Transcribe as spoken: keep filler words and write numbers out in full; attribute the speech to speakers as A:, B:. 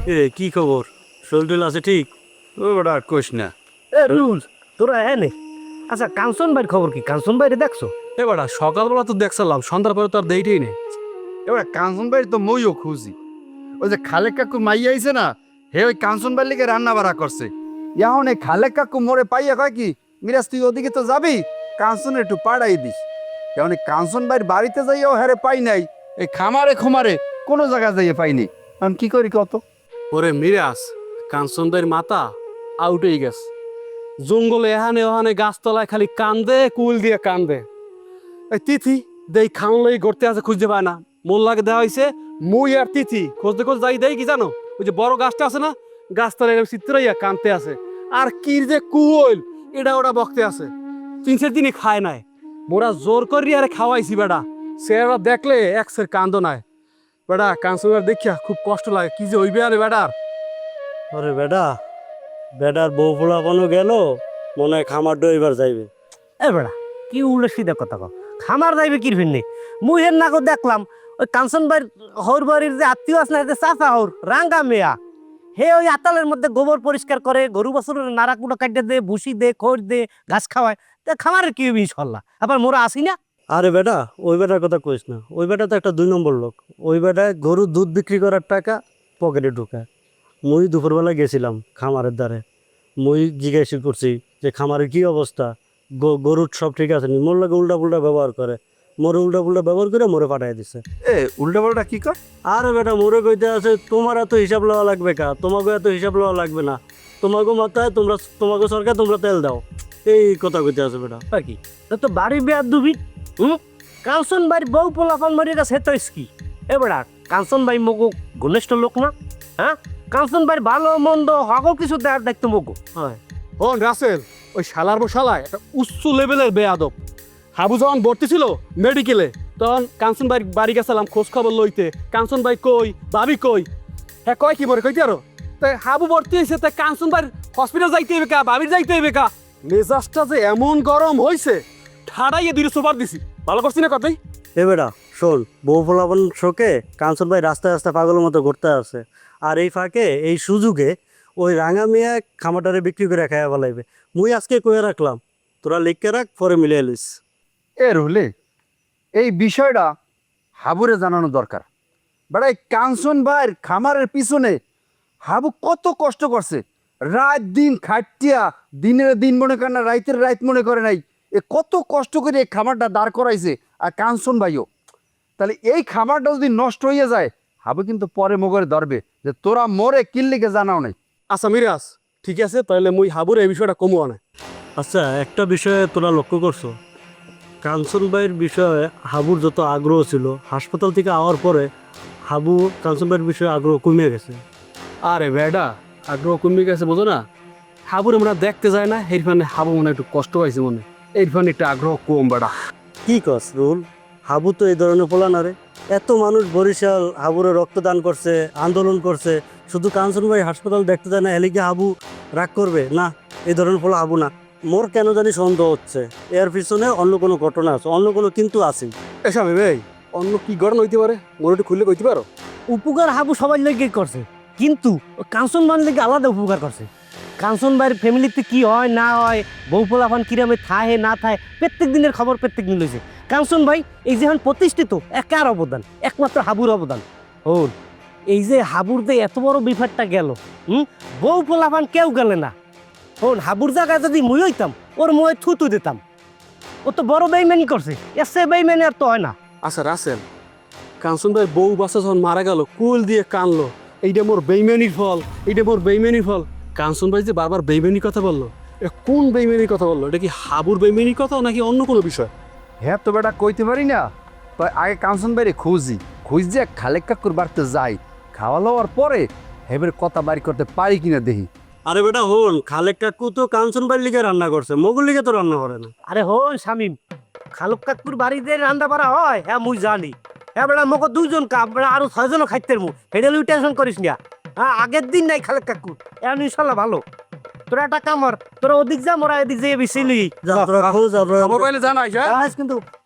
A: এ কি খবর? শরীর আছে ঠিক?
B: ও বেটা কোষ না।
C: এ রুল তোরা হ্যাঁ নে। আচ্ছা কাঞ্চন ভাইয়ের খবর কি? কাঞ্চন ভাইরে দেখছো?
A: এ বেটা সকালবেলা তো দেখছিলাম, সন্ধ্যার পরে তো আর দেইটেই নেই।
B: এবার কাঞ্চন ভাই তো মইও খুঁজি। ওই যে খালেক কাকু মাইয়া আইছে না, হে ওই কাঞ্চন ভাই লিগে রান্না বাড়া করছে। এখন এই খালেক কাকু মোরে পাইয়া কয় কি, মিরাজ তুই ওদিকে তো যাবি, কাঞ্চন একটু পাড়াই দিস। এখন এই কাঞ্চন ভাইয়ের বাড়িতে যাইয়াও হ্যারে পাই নাই, এই খামারে খুমারে কোনো জায়গায় যাইয়ে পাইনি। এখন কি করি কত?
A: ওরে মিরাজ, কাঞ্চন ভাইয়ের মাথা আউট হয়ে গেছে। জঙ্গলে এহানে ওহানে গাছতলায় খালি কান্দে, কুল দিয়ে কান্দে। এই তিথি দেই খাওন লাগি গড়তে আছে, খুঁজতে পায় না। মোল্লাকে দেওয়া হয়েছে, মুই আর তিথি খুঁজতে খুঁজ যাই দেই কি জানো, ওই যে বড় গাছটা আছে না, গাছতলায় এরকম চিত্রাইয়া কানতে আছে। আর কি যে কুল এটা ওটা বকতে আছে। তিন চার দিনই খায় নাই, মোরা জোর করি আরে খাওয়াইছি বেটা। সেরা দেখলে একসের কান্দ নাই বেটা। কাঞ্চন দেখিয়া খুব কষ্ট লাগে, কি যে হইবে আরে বেটার।
D: আরে বেটা, বেটার বউ পোলাপানো গেল, মনে হয় খামার ডইবার যাইবে।
C: এ বেড়া কি উল্টো সিধা কথা কও। খামার যাইবে কি ফিরনি? মুই হের নাকো দেখলাম ওই কাঞ্চন ভাইয়ের হর বাড়ির যে আত্মীয় আছে না, যে চাচা হর রাঙ্গা মেয়া, হে ওই আতালের মধ্যে গোবর পরিষ্কার করে, গরু বাছুরের নাড়া কুটো কাটে দে, ভুসি দে, খড় দে, ঘাস খাওয়ায়। তা খামারের কি হইবে ইনশাল্লাহ? আবার মোরা আসি না?
D: আরে বেটা, ওই বেটার কথা কইস না। ওই বেটা তো একটা দুই নম্বর লোক। ওই বেটায় গরুর দুধ বিক্রি করার টাকা পকেটে ঢুকায়। মুই দুপুরবেলা গেছিলাম খামারের দ্বারে। মুই জিজ্ঞাসা করছি যে খামারের কি অবস্থা, গ- গরুর সব ঠিক আছে নি? মোর লাগে উল্টা পুল্টা ব্যবহার করে, মোরে উল্টা পুল্টা ব্যবহার করে মোরে পাঠাই দিছে।
B: এ উল্টা পাল্টা কি কর?
D: আরে বেটা, মোরে কইতে আছে তোমার এত হিসাব লওয়া লাগবে কা, তোমাকে এত হিসাব লওয়া লাগবে না, তোমাকে মাথায় তোমরা, তোমাকে সরকার তোমরা তেল দাও, এই কথা কইতে আছে বেটা।
C: আর কি তা তো বাড়ি বেয়ার দুবি। হুম, কাঞ্চন ভাইয়ের বউ পোলাপান মারি গেছে তো কি? এ বেড়া কাঞ্চন ভাই মগো ঘনিষ্ঠ লোক না? হ্যাঁ, কাঞ্চন ভাইয়ের ভালো মন্দ সকল কিছু দেখার দেখতো মগো।
A: হয় হন রাসেল, ওই শালার বো শালায় একটা উচ্চ লেভেলের বেয়াদব। হাবু যখন ভর্তি ছিল মেডিকেলে, তখন কাঞ্চন ভাই বাড়ি গেছিলাম খোঁজ খবর লইতে। কাঞ্চন ভাই কই, ভাবি কই, হ্যাঁ কয় কি বলে কইতে আরো। তাই হাবু ভর্তি হয়েছে, তাই কাঞ্চন ভাই হসপিটাল যাইতে হইবে কা, ভাবির যাইতে হইবে কা। মেজাজটা যে এমন গরম হয়েছে, ঠাড়াইয়ে দুটো সোপার দিছি। ভালো করছি না কথাই?
D: এ বেটা শোন, বউ ফলাফল শোকে কাঞ্চন ভাই রাস্তায় রাস্তায় পাগলের মতো ঘুরতে আসে। আর এই ফাঁকে, এই সুযোগে ওই রাঙা মিয়া খামাটারে বিক্রি করে খাইয়া ফেলাইবে। মুই আজকে কয়ে রাখলাম, তোরা লিখকে রাখ, পরে মিলিয়ে লিস।
B: এ রুলে, এই বিষয়টা হাবুরে জানানো দরকার। বেটা এই কাঞ্চন ভাইয়ের খামারের পিছনে হাবু কত কষ্ট করছে, রাত দিন খাটিয়া, দিনের দিন মনে করে না, রাইতের রাত মনে করে নাই। এ কত কষ্ট করে এই খামারটা দাঁড় করাইছে। আর কাঞ্চন ভাইও, তাহলে এই খামারটা যদি নষ্ট হয়ে যায়, হাবু কিন্তু পরে মোগরে ধরবে যে তোরা মোরে কিল্লিকে জানাও নাই।
A: আচ্ছা মিরাজ, ঠিক আছে, তাহলে মুই হাবুর এই বিষয়টা কমু আনে।
D: আচ্ছা, একটা বিষয়ে তোরা লক্ষ্য করছো, কাঞ্চন ভাইয়ের বিষয়ে হাবুর যত আগ্রহ ছিল, হাসপাতাল থেকে আওয়ার পরে হাবু কাঞ্চন ভাইয়ের বিষয়ে আগ্রহ কমে গেছে।
A: আরে বেডা, আগ্রহ কমে গেছে বোঝো না? হাবুর আমরা দেখতে যায় না, এর ফানে হাবু মনে হয় একটু কষ্ট পাইছে মনে, এর ফানে একটু আগ্রহ কম বেড়া।
D: কি কস রুল? হাবু তো এই ধরনের পোলা না রে। এত মানুষ বরিশাল হাবুরে রক্তদান করছে, আন্দোলন করছে, শুধু কাঞ্চন ভাই হাসপাতাল দেখতে যায় না, এলিকে হাবু রাগ করবে না? এই ধরনের পোলা হাবু না। মোর কেন জানি সন্দেহ হচ্ছে এর পিছনে অন্য কোনো ঘটনা আছে, অন্য কোনো কিন্তু আছে।
A: এসা ভাই, অন্য কি গড়ন হইতে পারে, মনে একটু খুললে কইতে পারো?
C: উপকার হাবু সবাই লেগে করছে, কিন্তু ওই কাঞ্চন ভাইয়ের লেগে আলাদা উপকার করছে। কাঞ্চন ভাইয়ের ফ্যামিলিতে কি হয় না হয়, বউ পোলাপান কিরামে থাহে না থাহে, প্রত্যেক দিনের খবর প্রত্যেক দিন লইছে। কাঞ্চন ভাই এই যে এখন প্রতিষ্ঠিত, একার অবদান, একমাত্র হাবুর অবদান। ওর এই যে হাবুর যে এত বড় বিপদটা গেল, হুম, বউ পোলাপান কেউ গেলে না। ওর হাবুর জায়গায় যদি মুই হইতাম, ওর মুয়ে থুতু দিতাম। ও তো বড় বেইমানি করছে, এর সে বেইমানি আর তো হয় না।
A: আচ্ছা রাসেল, কাঞ্চন ভাই বউ বাচ্চা যখন মারা গেল, কুল দিয়ে কানলো, এইটা মোর বেইমানির ফল, এইটা মোর বেইমানির ফল। কাঞ্চন ভাই যে বারবার বেইমানির কথা বললো, এ কোন বেইমানির কথা বললো? এটা কি হাবুর বেইমানির কথা নাকি অন্য কোনো বিষয়?
B: হ্যাঁ তো বেটা কইতে পারি না। তো আগে কাঞ্চন বাইরে খুঁজি, খুঁজ যে খালেক কাকুর বাড়িতে যাই, খাওয়া লওয়ার পরে হেবের কথা বাড়ি করতে পারি কিনা দেখি।
D: আরে বেটা হন, খালেক কাকু তো কাঞ্চন ভাইয়ের লিগে রান্না করছে, মোগল লিগে তো রান্না করে না।
C: আরে হন শামিম, খালুক কাকুর বাড়িতে রান্না বাড়া হয়, হ্যাঁ মুই জানি। হ্যাঁ বেড়া মকে দুইজন কাপ, বেড়া আরো ছয়জনও খাইতে মু, হেডে লুই টেনশন করিস না। হ্যাঁ আগের দিন নাই খালেক কাকুর, এখন ইনশাল্লাহ ভালো। তোরা একটা কামর, তোরা ওদিক যা, মোরা এদিক যেয়ে বেশি লই।
D: যা তোরা খোঁজ, আমরা
A: খবর পাইলে জানাইস, হ্যাঁ?
C: কিন্তু